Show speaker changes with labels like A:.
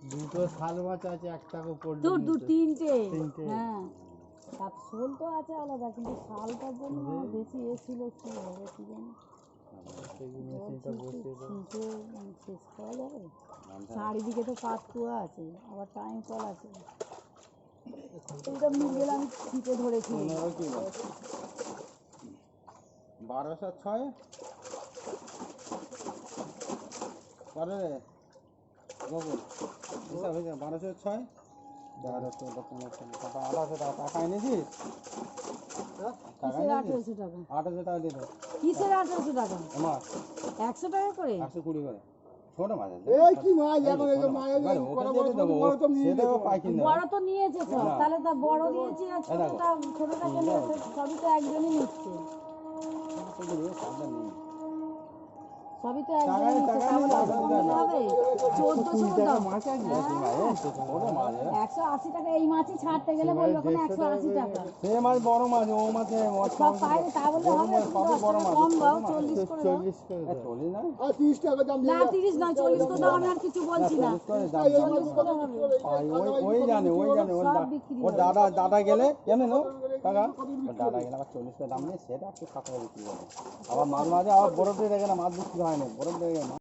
A: দুটো শাল মাছ আছে, একটাকে পড়লো
B: তিনটে। হ্যাঁ, তার শোল তো আছে আলাদা, কিন্তু শালটার জন্য বেশি ছিল কি হবে কি জানি। শেষ করা যাবে? চারিদিকে তো কাঠকুয়া আছে, আবার টাইম কল আছে। এইটা মিলগেলে আমি ছিটে ধরেছি।
C: 1206 করে রে গোকুল, 1206 টাকা এনেছিস?
B: কিসের 1800 টাকা?
C: 1800 টাকা দিয়ে দাও।
B: কিসের 1800 টাকা?
C: আমার
B: 100 টাকা করে?
C: 120 করে। ছোট মাছ আছে।
A: এই কি মাছ এখন এই মাছ
B: বড় তো নিয়েছে সব, তাহলে তা বড় নিয়েছি আর ছোটটা কেন? সবই তো একজনই নিচ্ছে, সবই তো একজনই নিচ্ছে, তাহলে হবে 1400 দাম। 180 টাকা এই মাছই ছাড়তে গেলে বলবে ওখানে 180 টাকা।
C: সে মাছ বড় মাছ, ও মাছে
B: সব পাইলে তা বললে হবে?
C: বড় মাছ
B: কম দাও, 40 করে দাও।
C: 40 না?
A: 30 টাকা দাম
B: না 30 নয়, 40 করে দাও, আমি আর কিছু বলছি না। 40 করে হবে।
C: ওই জানে ওর দাদা গেলে জানে না টাকা, ওর দাদা গেলে আবার 40 করে দাম নিয়ে সেটা একটু 7 টাকা বিক্রি করে। আবার মাছ মাঝে আবার বরফ দিয়ে দেখে না মাছ বিক্রি হয় না, বরফ দিয়ে